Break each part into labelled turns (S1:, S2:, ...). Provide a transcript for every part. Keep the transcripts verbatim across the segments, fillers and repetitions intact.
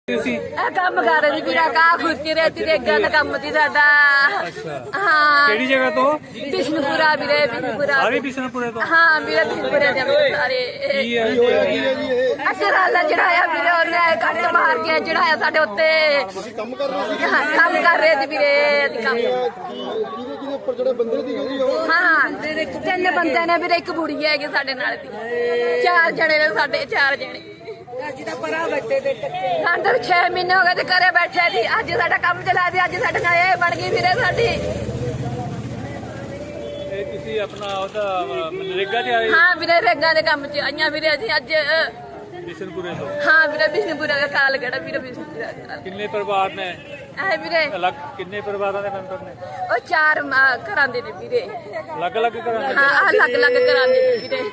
S1: ਕੰਮ ਕਰ ਰਹੀ ਵੀਰਾ ਕਾ ਖੁਰਚੀ ਰੇਤੀ ਦੇ ਗੰਨ ਕੰਮ ਦੀ ਸਾਡਾ। ਹਾਂ
S2: ਕਿਹੜੀ ਜਗ੍ਹਾ ਤੋਂ?
S1: ਬਿਸ਼ਨਪੁਰਾ ਵੀਰੇ, ਬਿਸ਼ਨਪੁਰਾ।
S2: ਸਾਰੇ ਬਿਸ਼ਨਪੁਰੇ ਤੋਂ?
S1: ਹਾਂ ਵੀਰੇ ਬਿਸ਼ਨਪੁਰੇ ਦੇ ਸਾਰੇ।
S2: ਕੀ ਹੈ
S1: ਅਸਰਾਲਾ ਚੜਾਇਆ ਵੀਰੇ, ਉਹਨੇ ਕੱਟ ਮਾਰ ਕੇ ਚੜਾਇਆ ਸਾਡੇ ਉੱਤੇ।
S3: ਕੰਮ ਕਰ ਰਹੇ ਸੀ?
S1: ਹਾਂ ਕੰਮ ਕਰ ਰਹੇ ਸੀ ਵੀਰੇ। ਅਸੀਂ ਕੰਮ
S3: ਕਿਹਦੇ ਕਿਹਦੇ ਉੱਪਰ ਜਿਹੜੇ ਬੰਦੇ ਦੀ ਗਈ ਉਹ?
S1: ਹਾਂ ਤਿੰਨ ਬੰਦੇ ਨੇ ਵੀਰੇ, ਇੱਕ ਬੁੜੀ ਹੈਗੀ ਸਾਡੇ ਨਾਲ ਦੀ। ਚਾਰ ਜਣੇ ਨੇ ਸਾਡੇ, ਚਾਰ ਜਣੇ। ਅੰਦਰ ਛੇ ਮਹੀਨੇ ਹੋ ਗਏ ਤੇ ਘਰੇ ਬੈਠੇ ਸੀ। ਅੱਜ ਸਾਡਾ ਕੰਮ ਚਲਾ ਦੀ, ਅੱਜ ਸਾਡੇ ਨਾਲ ਇਹ ਬਣ ਗਈ ਵੀਰੇ ਸਾਡੀ।
S2: ਇਹ ਤੁਸੀਂ ਆਪਣਾ ਉਹਦਾ ਮਨਰੇਗਾ ਤੇ ਆਏ?
S1: ਹਾਂ ਵੀਰੇ ਰੇਗਾ ਦੇ ਕੰਮ ਚ ਆਈਆਂ ਵੀਰੇ ਅਸੀਂ ਅੱਜ।
S2: ਬਿਸ਼ਨਪੁਰੇ ਤੋਂ?
S1: ਹਾਂ ਵੀਰੇ ਬਿਸ਼ਨਪੁਰਾ ਦਾ ਕਾਲ ਕਿਹੜਾ ਵੀਰੇ ਬਿਸ਼ਨਪੁਰਾ ਦਾ।
S2: ਕਿੰਨੇ ਪਰਿਵਾਰ ਨੇ
S1: ਐ ਵੀਰੇ?
S2: ਅਲੱਗ ਕਿੰਨੇ ਪਰਿਵਾਰਾਂ ਦੇ ਮੈਂਬਰ ਨੇ?
S1: ਉਹ ਚਾਰ ਮਾਂ ਘਰਾਂ ਦੇ ਨੇ ਵੀਰੇ।
S2: ਅਲੱਗ ਅਲੱਗ ਘਰਾਂ ਦੇ?
S1: ਹਾਂ ਅਲੱਗ ਅਲੱਗ ਘਰਾਂ ਦੇ ਨੇ ਵੀਰੇ।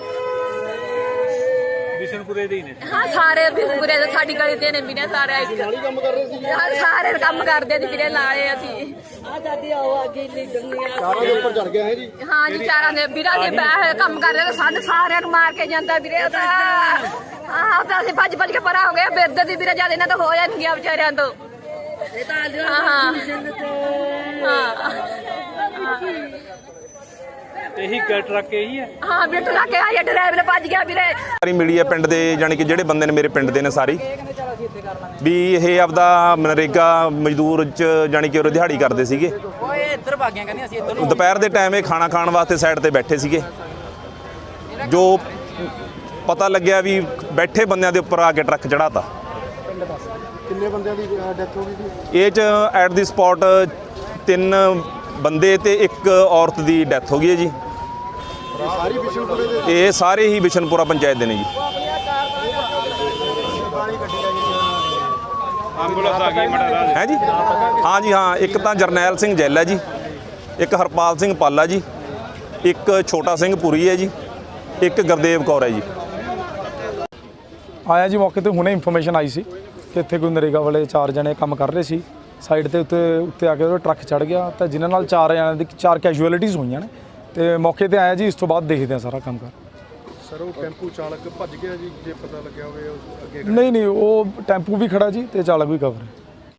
S2: ਬਿਸ਼ਨਪੁਰੇ ਦੇ ਹੀ ਨੇ?
S1: ਹਾਂ ਸਾਰੇ ਬਿਸ਼ਨਪੁਰੇ ਦੇ, ਸਾਡੀ ਗਲੀ ਦੇ ਨੇ ਵੀਰੇ ਸਾਰੇ। ਇੱਕ
S3: ਨਾਲੀ ਕੰਮ ਕਰ ਰਹੇ ਸੀ?
S1: ਹਾਂ, ਸਾਰੇ ਕੰਮ ਕਰਦੇ ਨੇ ਵੀਰੇ, ਲਾਏ ਅਸੀਂ।
S3: ਚਾਰਾਂ ਦੇ ਉੱਪਰ ਚੜ ਗਿਆ ਹੈ ਜੀ?
S1: ਹਾਂ ਜੀ ਚਾਰਾਂ ਦੇ ਵੀਰਾਂ ਦੇ ਬੈਠ ਕੰਮ ਕਰਦੇ ਨੇ, ਸਾਨੂੰ ਸਾਰਿਆਂ ਨੂੰ ਮਾਰ ਕੇ ਜਾਂਦਾ ਵੀਰੇ ਉਹ ਤਾਂ। ਹਾਂ ਉਹ ਤਾਂ ਅਸੀਂ ਭੱਜ ਭੱਜ ਕੇ ਪਰਾਂ ਹੋ ਗਏ। ਬਿਰਦ ਦੀ ਵੀਰੇ ਜਦ ਇਹਨਾਂ ਤੋਂ ਹੋ ਜਾਣਗੀਆਂ ਵਿਚਾਰਿਆਂ ਤੋਂ। ਹਾਂ ਹਾਂ
S2: ਇਹੀ ਟਰੱਕ ਇਹੀ ਹੈ?
S1: ਹਾਂ ਬਿੱਟ ਲਾ ਕੇ ਆਇਆ, ਡਰਾਈਵਰ ਭੱਜ ਗਿਆ ਵੀਰੇ।
S4: ਸਾਰੀ ਮਿਲੀ ਹੈ ਪਿੰਡ ਦੇ, ਜਾਣੀ ਕਿ ਜਿਹੜੇ ਬੰਦੇ ਨੇ ਮੇਰੇ ਪਿੰਡ ਦੇ ਨੇ ਸਾਰੀ ਵੀ ਇਹ ਆਪਦਾ ਮਨਰੇਗਾ ਮਜ਼ਦੂਰ ਚ ਜਾਣੀ ਕਿ ਉਹ ਦਿਹਾੜੀ ਕਰਦੇ ਸੀਗੇ।
S5: ਇੱਧਰ ਭਾਗੀਆਂ ਕਹਿੰਦੇ ਅਸੀਂ ਇੱਧਰ।
S4: ਦੁਪਹਿਰ ਦੇ ਟਾਈਮ ਇਹ ਖਾਣਾ ਖਾਣ ਵਾਸਤੇ ਸਾਈਡ ਤੇ ਬੈਠੇ ਸੀਗੇ। ਜੋ ਪਤਾ ਲੱਗਿਆ ਵੀ ਬੈਠੇ ਬੰਦਿਆਂ ਦੇ ਉੱਪਰ ਆ ਕੇ ਟਰੱਕ ਚੜਾਤਾ।
S3: ਕਿੰਨੇ ਬੰਦਿਆਂ ਦੀ ਡੈਥ ਹੋ ਗਈ ਸੀ?
S4: ਇਹ ਚ ਐਟ ਦੀ ਸਪੌਟ ਤਿੰਨ ਬੰਦੇ ਤੇ ਇੱਕ ਔਰਤ ਦੀ ਡੈਥ ਹੋ ਗਈ ਹੈ ਜੀ।
S3: ਸਾਰੀ ਬਿਸ਼ਨਪੁਰੇ ਦੇ?
S4: ਇਹ ਸਾਰੇ ਹੀ ਬਿਸ਼ਨਪੁਰਾ ਪੰਚਾਇਤ ਦੇ ਨੇ ਜੀ।
S2: ਐਂਬੂਲੈਂਸ ਆ ਗਈ ਮੜਾ
S4: ਹੈ ਜੀ? ਹਾਂ ਜੀ ਹਾਂ, ਇੱਕ ਤਾਂ ਜਰਨੈਲ ਸਿੰਘ ਜੈਲ ਹੈ ਜੀ, ਇੱਕ ਹਰਪਾਲ ਸਿੰਘ ਪਾਲਾ ਜੀ, ਇੱਕ ਛੋਟਾ ਸਿੰਘ ਪੁਰੀ ਹੈ ਜੀ, ਇੱਕ ਗੁਰਦੇਵ ਕੌਰ ਹੈ ਜੀ।
S6: ਆਇਆ ਜੀ ਮੌਕੇ ਤੇ ਹੁਣੇ ਇਨਫੋਰਮੇਸ਼ਨ ਆਈ ਸੀ ਕਿ ਇੱਥੇ ਕੋਈ ਨਰੇਗਾ ਵਾਲੇ ਚਾਰ ਜਣੇ ਕੰਮ ਕਰ ਰਹੇ ਸੀ। ਸਾਈਡ ਤੇ ਉੱਤੇ ਉੱਤੇ ਆ ਕੇ ਉਹ ਟਰੱਕ ਚੜ ਗਿਆ ਤਾਂ ਜਿਨ੍ਹਾਂ ਨਾਲ ਚਾਰ ਜਣਿਆਂ ਦੀ ਚਾਰ ਕੈਜੂਅਲਿਟੀਜ਼ ਹੋਈਆਂ ਨੇ ਤੇ ਮੌਕੇ ਤੇ ਆਇਆ ਜੀ। ਇਸ ਤੋਂ ਬਾਅਦ ਦੇਖਦੇ ਆ ਸਾਰਾ ਕੰਮ ਕਰ।
S3: ਸਰ ਉਹ ਟੈਂਪੂ ਚਾਲਕ ਭੱਜ ਗਿਆ ਜੀ, ਜੇ ਪਤਾ ਲੱਗਿਆ ਹੋਵੇ ਅੱਗੇ?
S6: ਨਹੀਂ ਨਹੀਂ ਉਹ ਟੈਂਪੂ ਵੀ ਖੜਾ ਜੀ ਤੇ ਚਾਲਕ ਵੀ ਕਵਰ ਹੈ।